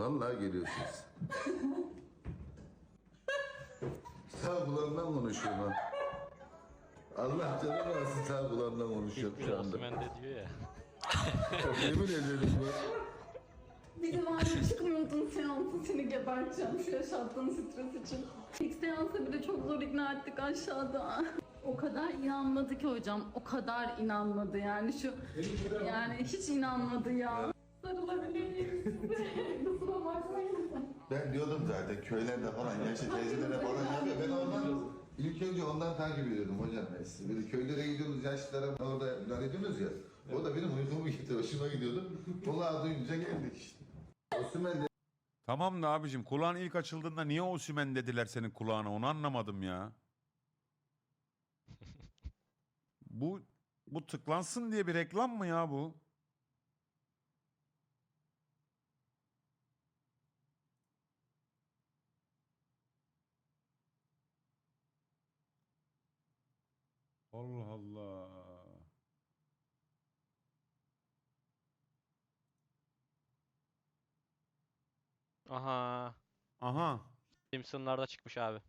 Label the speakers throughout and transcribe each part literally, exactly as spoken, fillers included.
Speaker 1: Vallahi geliyorsunuz. Sağ kulağımdan konuşuyorum ha. Allah canım alsın, sağ kulağımdan konuşuyorum şu anda.
Speaker 2: Osman de diyor ya.
Speaker 1: Yemin ederim bu.
Speaker 3: Bir de var ya çıkmıyordun seansı, seni geberteceğim şu yaşattığın stres için. İlk seansa bile çok zor ikna ettik aşağıda. O kadar inanmadı ki hocam, o kadar inanmadı yani şu, yani hiç inanmadı ya. Sarılabilir miyiz size? Kusura bakmayın.
Speaker 1: Ben diyordum zaten köylerde falan yaşlı teyzelere falan yapıyor. Ben ondan ilk önce ondan takip ediyordum hocam ben sizi. Böyle köylere gidiyoruz, yaşlılara orada müdahale ediyorsunuz ya. O da benim uykumu gitti, hoşuma gidiyordu. Kulağı duyunca geldik işte. Osman
Speaker 4: Tamam da abicim, kulağın ilk açıldığında niye Osimhen dediler senin kulağına, onu anlamadım ya. Bu bu tıklansın diye bir reklam mı ya bu? Allah Allah.
Speaker 2: Aha.
Speaker 4: Aha.
Speaker 2: Simpsonlarda çıkmış abi.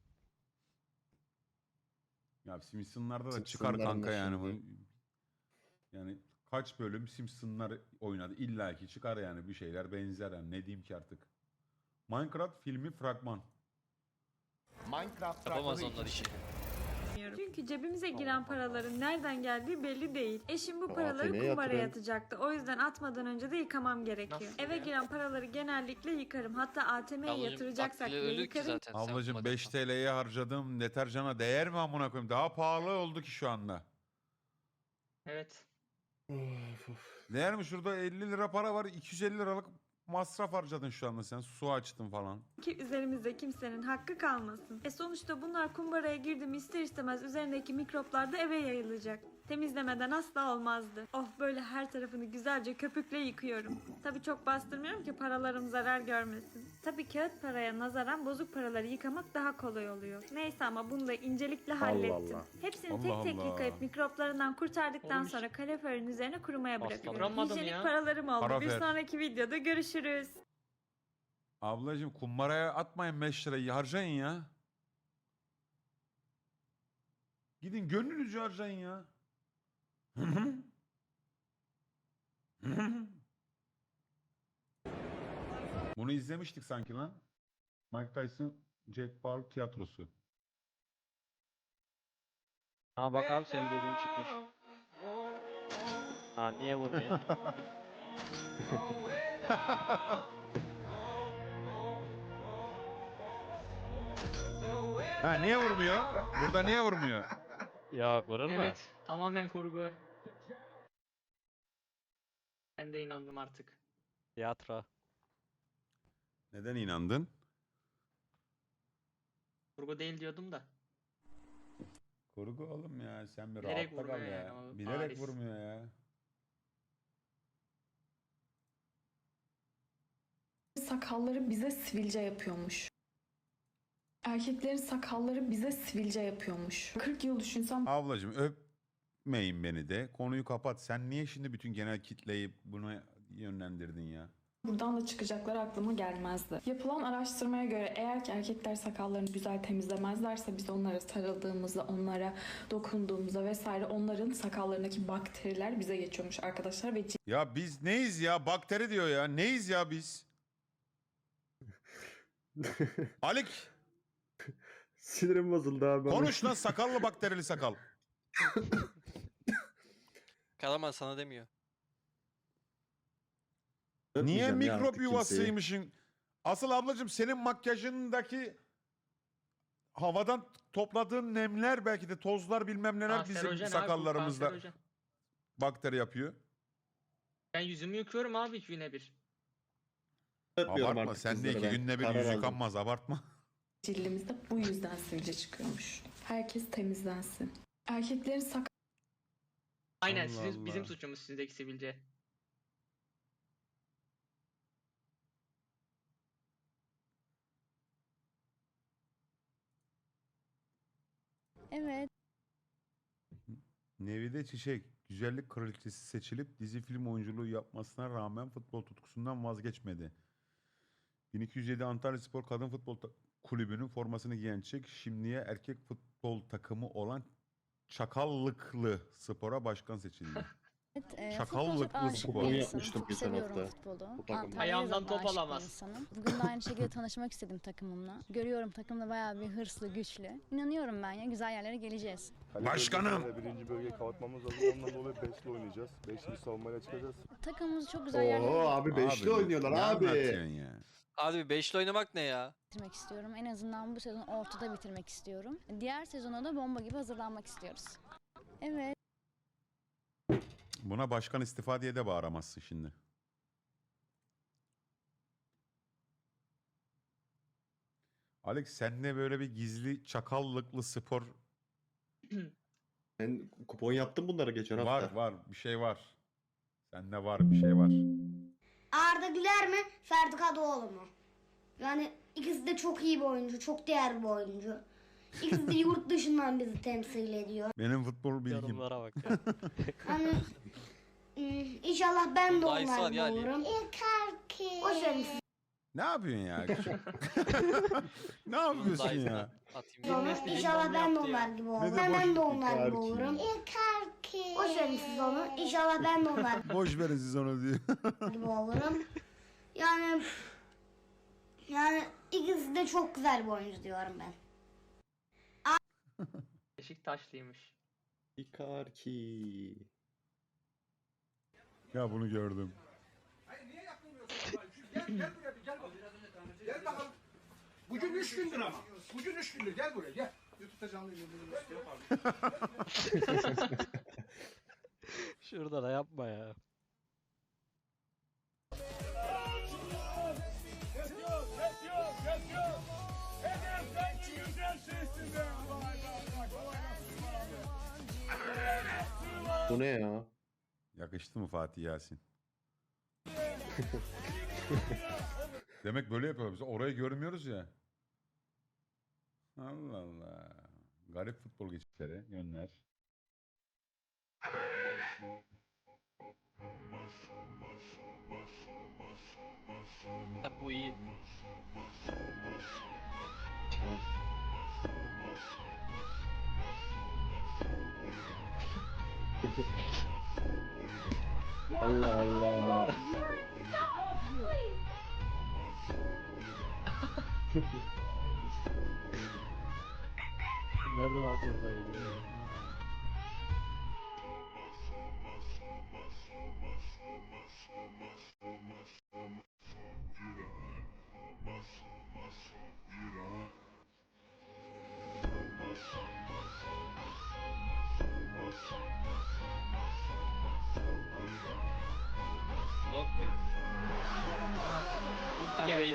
Speaker 4: Ya Simpsonlarda da çıkar
Speaker 5: Simpsonların
Speaker 4: kanka
Speaker 5: da
Speaker 4: yani bu.
Speaker 5: şimdi.
Speaker 4: Yani kaç bölüm Simpsonlar oynadı. İlla ki çıkar yani, bir şeyler benzer yani. Ne diyeyim ki artık. Minecraft filmi fragman.
Speaker 5: Minecraft
Speaker 2: Yapamaz
Speaker 5: fragmanı
Speaker 2: onlar işi.
Speaker 6: Çünkü cebimize giren paraların nereden geldiği belli değil. Eşim bu
Speaker 5: O
Speaker 6: paraları
Speaker 5: A T M'ye
Speaker 6: kumbara
Speaker 5: yatırın.
Speaker 6: yatacaktı. O yüzden atmadan önce de yıkamam gerekiyor. Eve giren paraları genellikle yıkarım. Hatta A T M'ye
Speaker 2: Ablacım,
Speaker 6: yatıracaksak
Speaker 2: aklı
Speaker 6: bile
Speaker 2: ölür ki
Speaker 6: yıkarım.
Speaker 2: zaten. sen
Speaker 4: Ablacım
Speaker 2: okumadın
Speaker 4: beş
Speaker 2: mı?
Speaker 4: T L'ye harcadığım deterjana değer mi amına koyayım? Daha pahalı oldu ki şu anda.
Speaker 7: Evet.
Speaker 4: Değer mi? Şurada elli lira para var. iki yüz elli liralık masraf harcadın şu anda sen. Su açtın falan.
Speaker 6: Ki üzerimizde kimsenin hakkı kalmasın. E sonuçta bunlar kumbaraya girdi mi ister istemez üzerindeki mikroplar da eve yayılacak. Temizlemeden asla olmazdı. Oh, böyle her tarafını güzelce köpükle yıkıyorum. Tabii çok bastırmıyorum ki paralarım zarar görmesin. Tabii kağıt paraya nazaran bozuk paraları yıkamak daha kolay oluyor. Neyse, ama bunu da incelikle hallettim.
Speaker 5: Allah.
Speaker 6: Hepsini
Speaker 4: Allah
Speaker 6: tek tek
Speaker 4: Allah.
Speaker 6: yıkayıp mikroplarından kurtardıktan
Speaker 7: Olmuş.
Speaker 6: sonra kaloriferin üzerine kurumaya bırakıyorum.
Speaker 7: Bırakamadım
Speaker 6: Hijyenik
Speaker 7: ya.
Speaker 6: paralarım oldu. Bir
Speaker 4: Kalorifer.
Speaker 6: sonraki videoda görüşürüz.
Speaker 4: Ablacım kumbaraya atmayın beş lirayı, harcayın ya. Gidin gönlünüzce harcayın ya. Bunu izlemiştik sanki lan. Mike Tyson, Jack Paul tiyatrosu.
Speaker 2: Ha bak abi, senin dediğin çıkmış. Ha niye vurmuyor?
Speaker 4: Ha niye vurmuyor? Burada niye vurmuyor?
Speaker 2: Ya vurur mu?
Speaker 7: Evet. Tamamen kurgu. Ben de inandım artık.
Speaker 2: Tiyatro.
Speaker 4: Neden inandın?
Speaker 7: Kurgu değil diyordum da.
Speaker 4: Kurgu oğlum ya, sen bir
Speaker 7: Bilerek
Speaker 4: rahatta kal
Speaker 7: vurmuyor
Speaker 4: ya.
Speaker 7: yani ama
Speaker 4: Bilerek
Speaker 7: bariz.
Speaker 4: vurmuyor ya.
Speaker 3: Sakalları bize sivilce yapıyormuş. Erkeklerin sakalları bize sivilce yapıyormuş. kırk yıl düşünsem
Speaker 4: Ablacım öpmeyin beni de. Konuyu kapat. Sen niye şimdi bütün genel kitleyi buna yönlendirdin ya?
Speaker 3: buradan da çıkacaklar aklıma gelmezdi. Yapılan araştırmaya göre eğer ki erkekler sakallarını güzel temizlemezlerse biz onlara sarıldığımızda, onlara dokunduğumuzda vesaire onların sakallarındaki bakteriler bize geçiyormuş arkadaşlar ve
Speaker 4: Ya biz neyiz ya? Bakteri diyor ya. Neyiz ya biz? Alik
Speaker 5: Sinirim bozuldu abi.
Speaker 4: konuş lan, sakallı bakterili sakal.
Speaker 2: Karaman sana demiyor.
Speaker 4: Niye
Speaker 5: Öpmeyeceğim ya
Speaker 4: mikrop
Speaker 5: artık kimseyi.
Speaker 4: yuvasıymışın? Asıl ablacığım senin makyajındaki havadan topladığın nemler, belki de tozlar bilmem neler bizim
Speaker 7: Kanserojen abi, bu
Speaker 4: sakallarımızda
Speaker 7: kanserojen.
Speaker 4: bakteri yapıyor.
Speaker 7: Ben yüzümü yıkıyorum abi iki güne bir.
Speaker 5: Öpmüyorum
Speaker 4: Abartma,
Speaker 5: artık
Speaker 4: sen de
Speaker 5: kızları
Speaker 4: iki
Speaker 5: ben.
Speaker 4: günde bir
Speaker 5: Karar
Speaker 4: yüz
Speaker 5: aldım.
Speaker 4: yıkanmaz, abartma.
Speaker 3: cildimizde bu yüzden sivilce çıkıyormuş. Herkes temizlensin. Erkeklerin sakal
Speaker 7: Aynen,
Speaker 4: Allah
Speaker 7: sizin,
Speaker 4: Allah.
Speaker 7: bizim suçumuz sizdeki sivilce.
Speaker 6: Evet.
Speaker 4: Nevide Çiçek, güzellik kraliçesi seçilip dizi film oyunculuğu yapmasına rağmen futbol tutkusundan vazgeçmedi. bin iki yüz yedi Antalyaspor Kadın Futbol Ta- Kulübü'nün formasını giyen Çek, şimdiye erkek futbol takımı olan Çakallıklı Spor'a başkan seçildi.
Speaker 8: Evet, e,
Speaker 4: Çakallıklı
Speaker 8: futbola çok aşık
Speaker 4: spor.
Speaker 8: bir
Speaker 5: Onu
Speaker 8: insanım.
Speaker 5: yapmıştım
Speaker 8: Çok
Speaker 5: geçen
Speaker 8: seviyorum
Speaker 5: hafta.
Speaker 8: futbolu.
Speaker 5: Bu takımda.
Speaker 8: Antalya'ya
Speaker 7: Ayağımdan
Speaker 8: da
Speaker 7: top
Speaker 8: aşık bir
Speaker 7: alamaz.
Speaker 8: insanım. Bugün de aynı şekilde tanışmak istedim takımımla. Görüyorum takımda bayağı bir hırslı, güçlü. İnanıyorum ben ya, güzel yerlere geleceğiz.
Speaker 4: Başkanım!
Speaker 9: Birinci bölgeyi kapatmamız lazım. Ondan dolayı beşli oynayacağız. Beşli savunmayla çıkacağız.
Speaker 8: Takımımızı çok güzel yerlere
Speaker 5: Oo abi beşli
Speaker 4: Abi,
Speaker 5: oynuyorlar
Speaker 4: ne
Speaker 5: abi.
Speaker 4: anlatıyorsun ya?
Speaker 2: Abi beşli oynamak ne ya?
Speaker 8: bitirmek istiyorum. En azından bu sezon ortada bitirmek istiyorum. Diğer sezona da bomba gibi hazırlanmak istiyoruz. Evet.
Speaker 4: Buna başkan istifa diye de bağıramazsın şimdi. Alex sende böyle bir gizli çakallıklı spor
Speaker 5: Ben kupon yaptım bunları geçen hafta.
Speaker 4: var var bir şey var. Sende var bir şey var.
Speaker 10: Arda Güler mi, Ferdi Kadıoğlu mu? Yani ikisi de çok iyi bir oyuncu, çok değerli bir oyuncu. İkisi de yurt dışından bizi temsil ediyor.
Speaker 4: Benim futbol bilgim.
Speaker 2: Yorumlara bak ya.
Speaker 10: Hani ım, inşallah ben de
Speaker 2: Bunda ice var
Speaker 10: onlar gibi
Speaker 2: yani.
Speaker 10: olurum. Boş verin siz
Speaker 4: Ne yapıyorsun ya? Ne yapıyorsun ya?
Speaker 2: Atayım.
Speaker 10: onu.
Speaker 7: Bilmesi
Speaker 10: İnşallah
Speaker 7: bilmem
Speaker 10: ben de
Speaker 7: yaptı ya.
Speaker 10: onlar gibi
Speaker 4: Ne
Speaker 10: olurum.
Speaker 4: de
Speaker 10: Ben, ben
Speaker 4: boş
Speaker 10: de onlar gibi
Speaker 5: Icardi.
Speaker 10: olurum. Boş verin siz onu. İnşallah ben de onlar
Speaker 4: Boş verin siz onu diyor.
Speaker 10: gibi olurum. Yani yani ikisi de çok güzel bir oyuncu diyorum ben.
Speaker 7: Beşiktaşlıymış.
Speaker 5: Icardi.
Speaker 4: Ya bunu gördüm.
Speaker 9: Bugün üç gündür ama. Bugün üç gündür. Gel buraya gel. YouTube'da canlı yayınlanıyor.
Speaker 2: Şurada da yapma ya.
Speaker 5: Bu ne ya?
Speaker 4: Yakıştı mı Fatih Yasin? Demek böyle yapıyoruz. Biz orayı görmüyoruz ya. Allah Allah. Garip futbol geçişleri, yönler.
Speaker 7: Ha, bu iyi.
Speaker 5: Allah Allah.
Speaker 2: Nerede var buradaydı?
Speaker 7: Evet.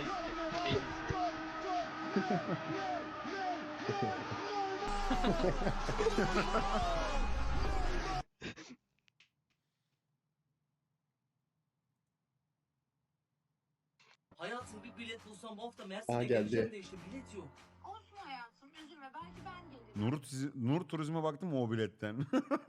Speaker 11: Hayatım bir bilet bulsam bu hafta
Speaker 5: Aa,
Speaker 11: Mersin'e
Speaker 5: geldi.
Speaker 11: geleceğim de işte bilet yok.
Speaker 3: Olsun hayatım, üzülme, belki ben gelirim.
Speaker 4: Nur, Tizi- Nur Turizm'e baktım mı o biletten?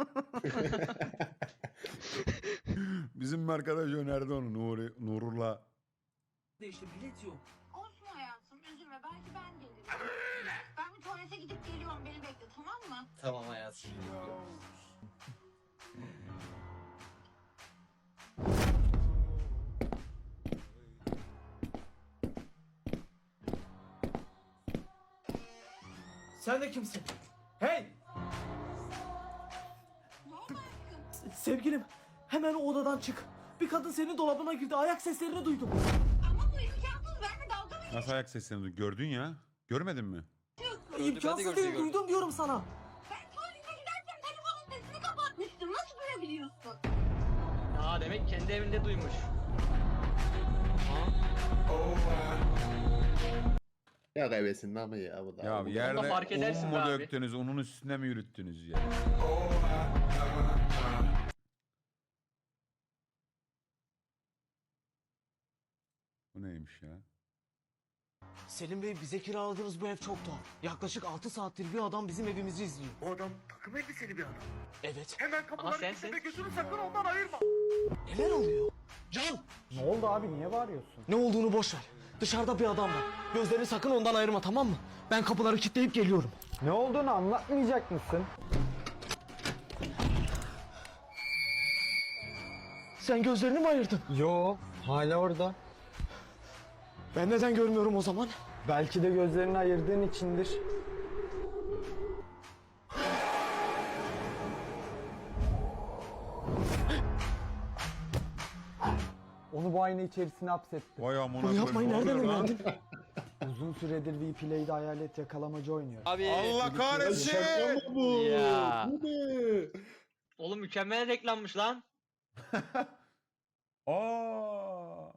Speaker 4: Bizim bir arkadaş önerdi onu Nuri, Nurullah.
Speaker 11: De işte bilet yok.
Speaker 3: Olsun hayatım, üzülme, belki ben gelirim. Ben bir tuvalete gidip geliyorum, beni bekle, tamam mı?
Speaker 11: Tamam hayatım. Sen de kimsin? Hey! Sevgilim, hemen o odadan çık. Bir kadın senin dolabına girdi. Ayak seslerini duydum.
Speaker 3: Ama bu imkansız, benimle dalga mı
Speaker 4: Nasıl ayak seslerini duydun? Gördün ya. Görmedin mi?
Speaker 3: geçiyorsun?
Speaker 2: Gördü, ben de
Speaker 11: İmkansız
Speaker 2: gördüm,
Speaker 11: değil.
Speaker 2: gördüm.
Speaker 11: Duydum diyorum sana.
Speaker 3: Ben tuvalete giderken telefonun sesini kapatmıştım, nasıl duyabiliyorsun?
Speaker 7: Aa demek kendi evinde duymuş.
Speaker 5: Ya kaybetsin ama ya bu da.
Speaker 4: Ya
Speaker 5: Bu da-
Speaker 4: yerde
Speaker 7: fark edersin
Speaker 4: un
Speaker 7: be
Speaker 4: mu
Speaker 7: abi.
Speaker 4: döktünüz, unun üstüne mi yürüttünüz ya? Bu neymiş ya?
Speaker 11: Selim Bey, bize kiraladığınız bu ev çok tuhaf. Yaklaşık altı saattir bir adam bizim evimizi izliyor.
Speaker 9: Bu adam takım elbiseli bir adam.
Speaker 11: Evet.
Speaker 9: Hemen
Speaker 7: Ama
Speaker 9: kapıları
Speaker 7: sensin.
Speaker 9: kilitle ve gözünü sakın ondan ayırma.
Speaker 11: Neler oluyor? Can!
Speaker 12: Ne oldu abi, niye bağırıyorsun?
Speaker 11: Ne olduğunu boş ver. Dışarıda bir adam var. Gözlerini sakın ondan ayırma, tamam mı? Ben kapıları kilitleyip geliyorum.
Speaker 12: Ne olduğunu anlatmayacak mısın?
Speaker 11: Sen gözlerini mi ayırdın?
Speaker 12: Yo, hala orada.
Speaker 11: Ben neden görmüyorum o zaman?
Speaker 12: Belki de gözlerini ayırdığın içindir. Onu bu ayna içerisine hapsettim.
Speaker 4: Vay amına
Speaker 11: Bunu yapmayı
Speaker 4: koyayım, ne
Speaker 11: nereden
Speaker 4: oluyor lan?
Speaker 11: öğrendin?
Speaker 12: Uzun süredir V-Play'de hayalet yakalamacı oynuyor.
Speaker 2: Abi.
Speaker 4: Allah kahretsin.
Speaker 5: Şaka mı bu?
Speaker 2: Ya.
Speaker 5: Bu ne?
Speaker 7: Oğlum mükemmel reklammış lan.
Speaker 4: Aa.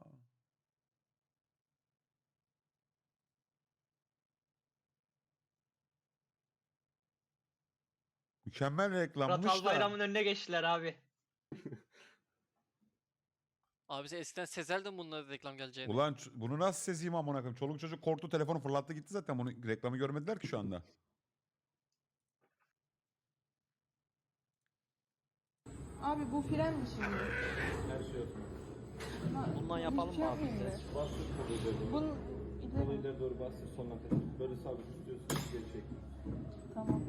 Speaker 4: Mükemmel
Speaker 7: Murat
Speaker 4: reklammış da.
Speaker 7: Albayram'ın önüne geçtiler abi.
Speaker 2: Abi sen eskiden sezerdin bunları reklam geleceğini.
Speaker 4: Ulan ç- bunu nasıl sezeyim amına koyayım? Çoluk çocuk korktu, telefonu fırlattı gitti zaten. Bunu reklamı görmediler ki şu anda.
Speaker 3: Abi bu fren mi şimdi?
Speaker 7: Bundan yapalım mı abi bize?
Speaker 3: Bunun
Speaker 12: ileri doğru bastır sonuna kadar. Böyle sabit tutuyorsun, geri çek.
Speaker 3: Tamam.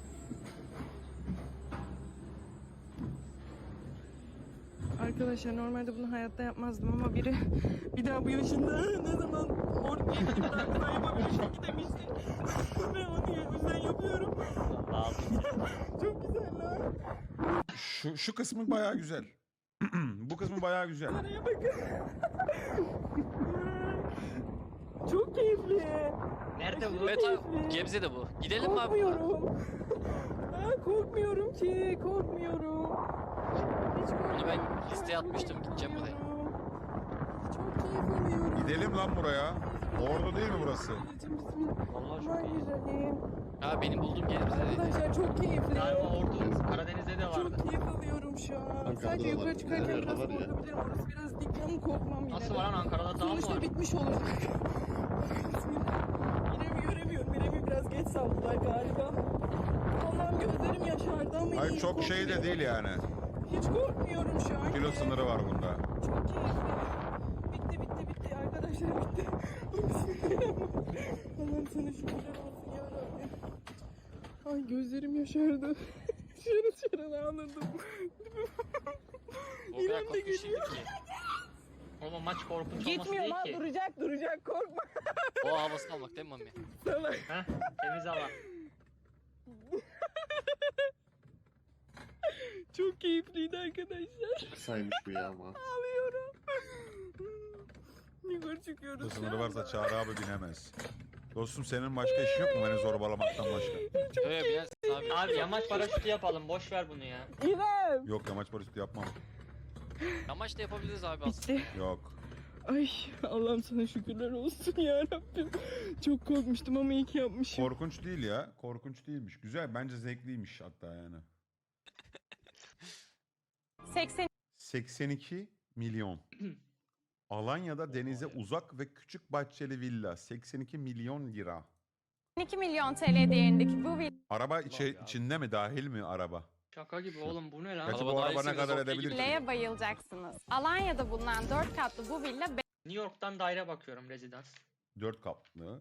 Speaker 13: Arkadaşlar normalde bunu hayatta yapmazdım ama biri bir daha bu yaşında ne zaman ortaya gidip daha yapabilecek demişti. Ve onu yüzden yapıyorum. Çok güzel lan.
Speaker 4: Şu şu kısmı bayağı güzel. Bu kısmı bayağı güzel.
Speaker 13: Araya bakın. Çok keyifli.
Speaker 7: Nerede bu?
Speaker 2: Evet abi Gebze'de bu. Gidelim mi abi?
Speaker 13: Korkmuyorum. Ha, korkmuyorum ki, korkmuyorum. Hiç korkmuyorum.
Speaker 2: Bunu ben listeye atmıştım, gideceğim buraya.
Speaker 13: Çok keyif alıyorum.
Speaker 4: Gidelim lan buraya. Orada değil mi burası?
Speaker 2: Vallahi çok iyi.
Speaker 13: Bismillahirrahmanirrahim.
Speaker 2: Ha benim bulduğum yer bize değil.
Speaker 13: Arkadaşlar çok keyifli.
Speaker 7: Galiba Ordu, Karadeniz'de de vardı.
Speaker 13: Çok keyif alıyorum şu an.
Speaker 5: Ankara'da
Speaker 13: Sadece
Speaker 5: da
Speaker 13: yukarı
Speaker 5: var.
Speaker 13: çıkarken
Speaker 5: Nerede
Speaker 13: biraz
Speaker 5: var ya?
Speaker 13: korkabilirim. Orası biraz dik ama korkmam yine.
Speaker 7: Nasıl
Speaker 13: de.
Speaker 7: var lan Ankara'da dağ mı
Speaker 13: Sonuçta
Speaker 7: var?
Speaker 13: bitmiş olacak. Bismillah. İrem'i göremiyorum. İrem'i biraz geç saldılar galiba. Allah'ım gözlerim yaşardı ama
Speaker 4: Hayır
Speaker 13: iyi,
Speaker 4: çok şey de
Speaker 13: korkmuyorum.
Speaker 4: değil yani.
Speaker 13: Hiç korkmuyorum şu an.
Speaker 4: Kilo sınırı var bunda.
Speaker 13: Çok keyifli. Bitti bitti bitti arkadaşlar bitti. Bismillahirrahmanirrahim. Allah'ım sana şükürler olsun yarabbim. Ay gözlerim yaşardı. Şarıl şarıl ağladım.
Speaker 2: O kadar
Speaker 13: İrem de
Speaker 2: korkmuşsun
Speaker 13: geliyor.
Speaker 2: ki.
Speaker 7: Oğlum maç korkunç olması
Speaker 13: Gitmiyor
Speaker 7: değil
Speaker 13: lan
Speaker 7: ki.
Speaker 13: duracak duracak korkma.
Speaker 2: O havasını almak değil mi mami?
Speaker 13: Salak.
Speaker 7: Heh, temiz hava.
Speaker 13: Çok keyifliydi arkadaşlar.
Speaker 5: Kısaymış bu ya ama.
Speaker 13: Ağlıyorum. Yukarı çıkıyoruz.
Speaker 4: Kilo
Speaker 13: şu
Speaker 4: sınırı
Speaker 13: anda.
Speaker 4: varsa Çağrı abi binemez. Dostum senin başka işin yok mu beni zorbalamaktan başka?
Speaker 2: Öyle binersin abi.
Speaker 7: Abi yamaç paraşütü yapalım. Boş ver bunu ya.
Speaker 13: İrem.
Speaker 4: Yok yamaç paraşütü yapmam.
Speaker 2: Yamaç da yapabiliriz abi aslında.
Speaker 13: Bitti.
Speaker 4: Yok.
Speaker 13: Ay Allah'ım sana şükürler olsun ya Rabbim. Çok korkmuştum ama iyi ki yapmışım.
Speaker 4: Korkunç değil ya. Korkunç değilmiş. Güzel. Bence zevkliymiş hatta yani.
Speaker 8: seksen
Speaker 4: seksen iki milyon. Alanya'da denize uzak ve küçük bahçeli villa. seksen iki milyon lira.
Speaker 8: iki milyon T L değerindeki bu
Speaker 4: Araba içi, içinde mi? Dahil mi araba?
Speaker 7: Şaka gibi oğlum bu ne lan?
Speaker 4: Kaçı
Speaker 2: Araba
Speaker 4: bu
Speaker 2: daha
Speaker 4: araba ne
Speaker 2: iyisiniz,
Speaker 4: kadar
Speaker 2: okey
Speaker 4: edebilir ki?
Speaker 8: villaya bayılacaksınız. Alanya'da bulunan dört katlı bu villa
Speaker 7: New York'tan daire bakıyorum rezidans.
Speaker 4: dört katlı.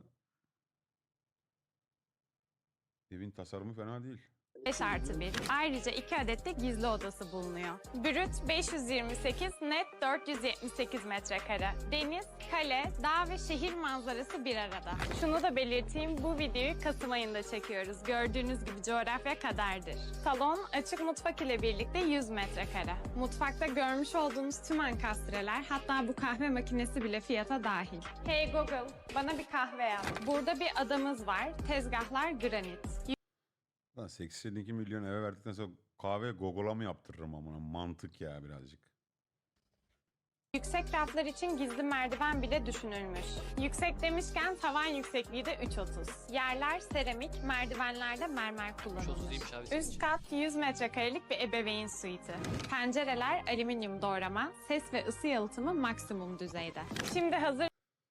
Speaker 4: Evin tasarımı fena değil.
Speaker 8: beş artı bir. Ayrıca iki adet de gizli odası bulunuyor. Brüt beş yüz yirmi sekiz, net dört yüz yetmiş sekiz metrekare. Deniz, kale, dağ ve şehir manzarası bir arada. Şunu da belirteyim, bu videoyu Kasım ayında çekiyoruz. Gördüğünüz gibi coğrafya kaderdir. Salon, açık mutfak ile birlikte yüz metrekare. Mutfakta görmüş olduğunuz tüm ankastreler, hatta bu kahve makinesi bile fiyata dahil. Hey Google, bana bir kahve yap. Burada bir adamız var, tezgahlar granit.
Speaker 4: Lan seksen iki milyon eve verdikten sonra kahve Google'a mı yaptırırım amına? Mantık ya birazcık.
Speaker 8: Yüksek raflar için gizli merdiven bile düşünülmüş. Yüksek demişken tavan yüksekliği de üç otuz. Yerler seramik, merdivenlerde mermer
Speaker 2: üç
Speaker 8: kullanılmış.
Speaker 2: otuz'uymuş abi.
Speaker 8: Üst kat yüz metrekarelik bir ebeveyn suiti. Pencereler alüminyum doğrama, ses ve ısı yalıtımı maksimum düzeyde. Şimdi hazır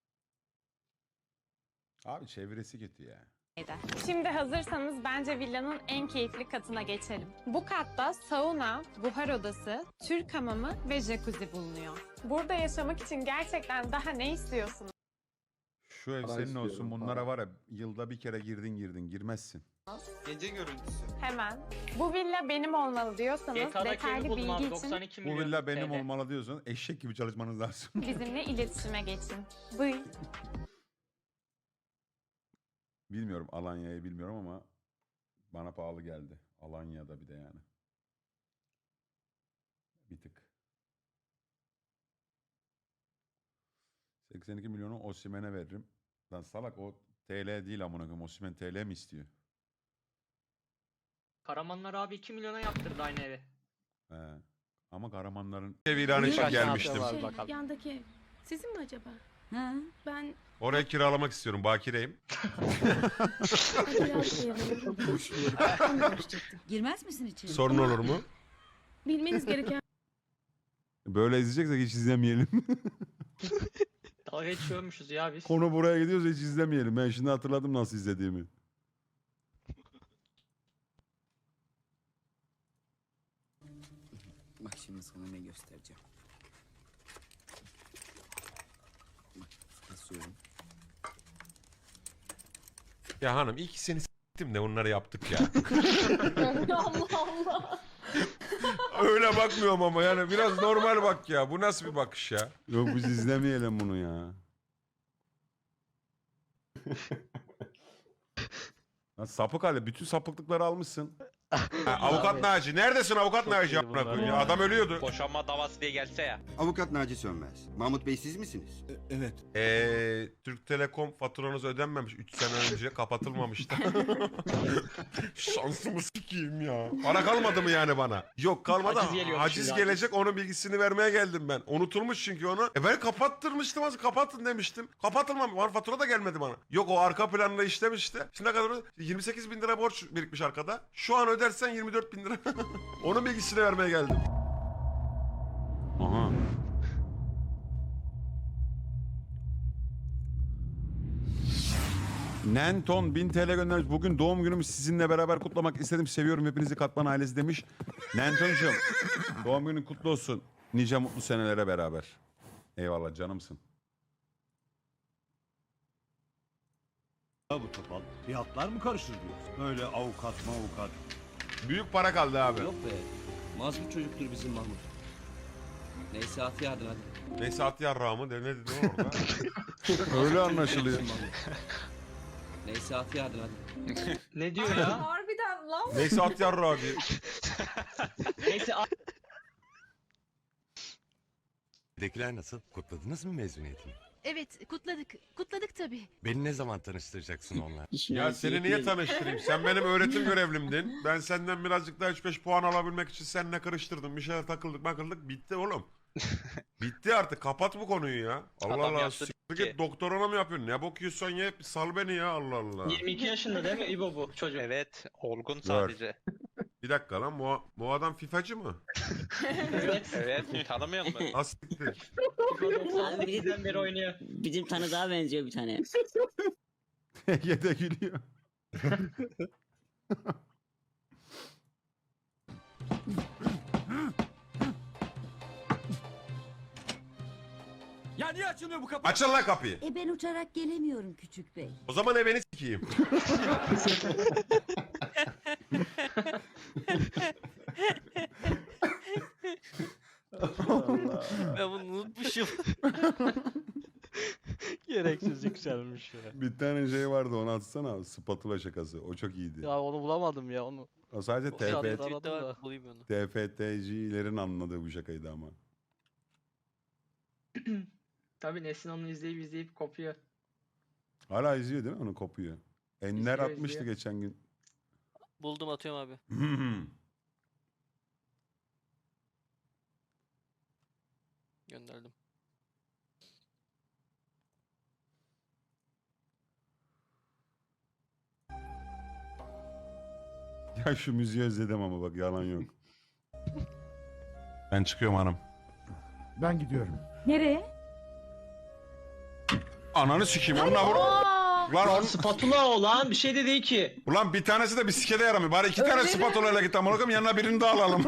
Speaker 4: Abi çevresi kötü ya.
Speaker 8: Şimdi hazırsanız bence villanın en keyifli katına geçelim. Bu katta sauna, buhar odası, Türk hamamı ve jacuzzi bulunuyor. Burada yaşamak için gerçekten daha ne istiyorsunuz?
Speaker 4: Şu ev
Speaker 5: Para
Speaker 4: senin
Speaker 5: istiyorum,
Speaker 4: olsun. Bunlara
Speaker 5: para.
Speaker 4: var ya yılda bir kere girdin girdin. Girmezsin.
Speaker 11: Gece görüntüsü.
Speaker 8: Hemen. Bu villa benim olmalı diyorsanız
Speaker 7: G T A'daki evi
Speaker 8: detaylı
Speaker 7: buldum abi
Speaker 8: bilgi için
Speaker 7: doksan iki
Speaker 4: Bu
Speaker 7: milyon
Speaker 4: villa benim
Speaker 7: T L.
Speaker 4: olmalı diyorsan eşek gibi çalışmanız lazım.
Speaker 8: bizimle iletişime geçin. Bıy.
Speaker 4: Bilmiyorum Alanya'yı bilmiyorum ama bana pahalı geldi. Alanya'da bir de yani. Bir tık. seksen iki milyonu Osimhen'e veririm. Lan salak o T L değil amına koyayım. Osimhen T L mi istiyor?
Speaker 7: Karamanlar abi iki milyona yaptırdı aynı evi.
Speaker 4: He. Ama Karamanların ev ilan için
Speaker 11: Kaç
Speaker 4: gelmiştim.
Speaker 11: saate var bakalım.
Speaker 13: Yandaki ev. Sizin mi acaba?
Speaker 3: Ha?
Speaker 13: Ben
Speaker 4: Orayı kiralamak istiyorum. Bakireyim.
Speaker 3: Girmez misin içeri?
Speaker 4: Sorun olur mu?
Speaker 13: bilmeniz gereken
Speaker 4: Böyle izleyeceksek hiç izlemeyelim.
Speaker 7: Dalga geçiyormuşuz ya biz.
Speaker 4: Konu buraya gidiyorsa hiç izlemeyelim. Ben şimdi hatırladım nasıl izlediğimi.
Speaker 11: Bak şimdi sana ne göstereceğim. Bak basıyorum.
Speaker 14: Ya hanım iyi ki seni s**tim de onları yaptık ya.
Speaker 3: Allah Allah.
Speaker 14: Öyle bakmıyorum ama yani biraz normal bak ya. Bu nasıl bir bakış ya?
Speaker 4: Yok biz izlemeyelim bunu ya. Lan sapık Ali bütün sapıklıkları almışsın.
Speaker 14: Ha, avukat Naci. Neredesin avukat Naci amına koyayım ya? Adam ölüyordu.
Speaker 11: Boşanma davası diye gelse ya.
Speaker 9: Avukat Naci Sönmez. Mahmut Bey siz misiniz?
Speaker 11: Evet.
Speaker 14: Eee Türk Telekom faturanız ödenmemiş. üç sene önce kapatılmamıştı. Şansımı sikeyim ya. Para kalmadı mı yani bana? Yok kalmadı.
Speaker 7: Haciz geliyormuş
Speaker 14: Haciz
Speaker 7: şimdi,
Speaker 14: gelecek onun bilgisini vermeye geldim ben. Unutulmuş çünkü onu. E ben kapattırmıştım az kapatın demiştim. Kapatılmamış. Var fatura da gelmedi bana. Yok o arka planla işlemişti. Şimdi ne kadar? yirmi sekiz bin lira borç birikmiş arkada. Şu an ödersen yirmi dört bin lira. Onun bilgisini vermeye geldim.
Speaker 4: Aha. Nenton bin T L göndermiş. Bugün doğum günümü sizinle beraber kutlamak istedim. Seviyorum hepinizi Katman ailesi demiş. Nenton'cum doğum günün kutlu olsun. Nice mutlu senelere beraber. Eyvallah canımsın.
Speaker 9: Bu topal. Fiyatlar mı karışır diyorsun? Öyle avukat avukat.
Speaker 14: Büyük para kaldı abi.
Speaker 11: Yok be. Mazlum çocuktur bizim Mahmut. Neyse at yardın hadi.
Speaker 14: Neyse at yarrağımı de ne dedi orada?
Speaker 4: Öyle anlaşılıyor.
Speaker 11: Neyse at yardın hadi.
Speaker 7: Ne diyor ya?
Speaker 3: Harbiden lan.
Speaker 14: Neyse at yarrağı diye.
Speaker 7: Neyse a-
Speaker 14: Evdekiler nasıl? Kutladınız mı mezuniyetini?
Speaker 13: Evet, kutladık. Kutladık tabii.
Speaker 14: Beni ne zaman tanıştıracaksın onunla? Ya seni niye tanıştırayım? Sen benim öğretim görevlimdin. Ben senden birazcık daha üç beş puan alabilmek için seninle karıştırdım. Bir şeyler takıldık makıldık. Bitti oğlum. Bitti artık. Kapat bu konuyu ya. Allah
Speaker 11: Adam
Speaker 14: Allah.
Speaker 11: yaptı
Speaker 14: Siktir git doktorana mı yapıyorsun? Ne bakıyorsan ye. Sal beni ya Allah Allah.
Speaker 7: yirmi iki yaşında değil mi İbo bu çocuk?
Speaker 11: Evet, olgun
Speaker 4: sadece.
Speaker 14: Bir dakika lan bu, bu adam FIFA'cı mı?
Speaker 7: Evet.
Speaker 11: Evet, tanımıyor musun?
Speaker 14: Nasıl siktir?
Speaker 7: İbo doksan sekizden beri oynuyor.
Speaker 11: Bizim tanıdığa benziyor bir tane.
Speaker 4: Ege de gülüyor.
Speaker 9: Ya niye açılmıyor bu kapı?
Speaker 14: Açın lan kapıyı.
Speaker 3: E ben uçarak gelemiyorum küçük bey.
Speaker 14: O zaman e beni sikeyim.
Speaker 2: Ben bunu unutmuşum.
Speaker 12: Gereksiz yükselmiş ya.
Speaker 4: Bir tane şey vardı onu atsana. Spatula şakası. O çok iyiydi.
Speaker 12: Ya onu bulamadım ya onu.
Speaker 4: O sadece
Speaker 12: O şarkı
Speaker 4: T F T
Speaker 12: aradım
Speaker 2: Tweet'te
Speaker 12: da.
Speaker 2: var bulayım onu.
Speaker 4: T F T C'lerin anladığı bu şakaydı ama.
Speaker 7: Tabii Nesin onu izleyip izleyip kopuyor.
Speaker 4: Hala izliyor değil mi? Onu kopuyor. Enler
Speaker 7: İzliyor,
Speaker 4: atmıştı
Speaker 7: izliyor.
Speaker 4: geçen gün.
Speaker 2: Buldum atıyorum abi. Gönderdim.
Speaker 4: Ya şu müziği özledim ama bak yalan yok.
Speaker 14: Ben çıkıyorum hanım.
Speaker 9: Ben gidiyorum.
Speaker 3: Nereye?
Speaker 14: Ananı sikeyim onunla vur. Lan on...
Speaker 7: Spatula o lan bir şey de değil ki.
Speaker 14: Ulan bir tanesi de bisikete yaramıyor. Bari iki tane spatula ile git amına koyayım yanına birini daha alalım.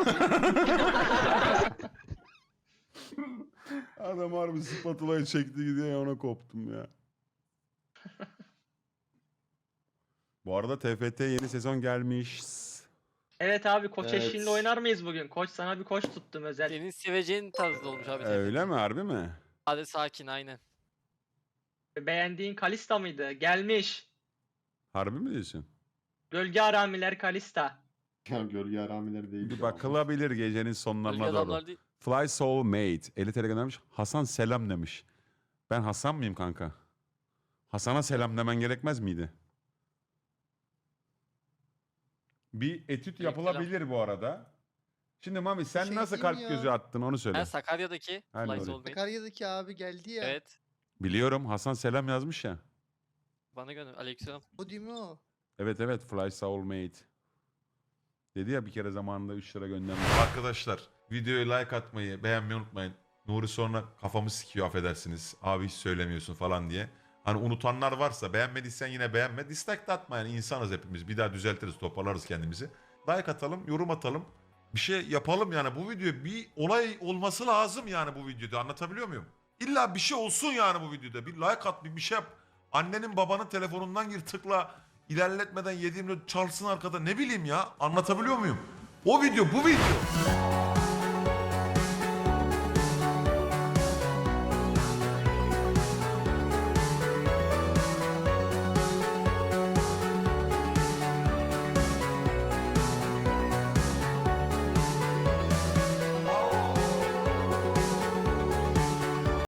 Speaker 4: Adam harbi spatulayı çekti gidiyor ya ona koptum ya. Bu arada T F T yeni sezon gelmiş.
Speaker 7: Evet abi koç
Speaker 5: Evet.
Speaker 7: eşliğinde oynar mıyız bugün? Koç sana bir koç tuttum özel.
Speaker 2: Senin seveceğin tarzda olmuş abi.
Speaker 4: Öyle mi, harbi mi?
Speaker 2: Hadi sakin aynen.
Speaker 7: Beğendiğin Kalista mıydı? Gelmiş.
Speaker 4: Harbi mi diyorsun?
Speaker 7: Gölge Aramiler Kalista.
Speaker 5: Ya gölge aramileri değil.
Speaker 4: Bir
Speaker 5: ya.
Speaker 4: bakılabilir gecenin
Speaker 2: Bölge
Speaker 4: sonlarına doğru.
Speaker 2: adamlar değil.
Speaker 4: Fly Soulmate. elli T L göndermiş. Hasan selam demiş. Ben Hasan mıyım kanka? Hasan'a selam demen gerekmez miydi? Bir etüt yapılabilir bu arada. Şimdi Mami sen
Speaker 15: şey
Speaker 4: nasıl
Speaker 15: diyeyim
Speaker 4: kalp
Speaker 15: ya.
Speaker 4: gözü attın onu söyle.
Speaker 2: Ben Sakarya'daki
Speaker 4: Aynen
Speaker 2: Fly
Speaker 4: öyle.
Speaker 2: Soulmate.
Speaker 15: Sakarya'daki abi geldi ya.
Speaker 2: Evet.
Speaker 4: Biliyorum, Hasan selam yazmış ya.
Speaker 2: Bana gönder. Aleykümselam.
Speaker 15: O değil mi o?
Speaker 4: Evet evet, Fly Soulmate. Dedi ya bir kere zamanında üç lira göndermiş.
Speaker 14: Arkadaşlar videoya like atmayı, beğenmeyi unutmayın. Nuri sonra kafamı sikiyor affedersiniz. Abi hiç söylemiyorsun falan diye. Hani unutanlar varsa beğenmediysen yine beğenme. Dislike de atma yani insanız hepimiz. Bir daha düzeltiriz, toparlarız kendimizi. Like atalım, yorum atalım. Bir şey yapalım yani bu video bir olay olması lazım yani bu videoda, anlatabiliyor muyum? İlla bir şey olsun yani bu videoda. Bir like at, bir bir şey yap. Annenin babanın telefonundan gir tıkla. İlerletmeden yediğimde çalsın arkada, ne bileyim ya, anlatabiliyor muyum? O video bu video.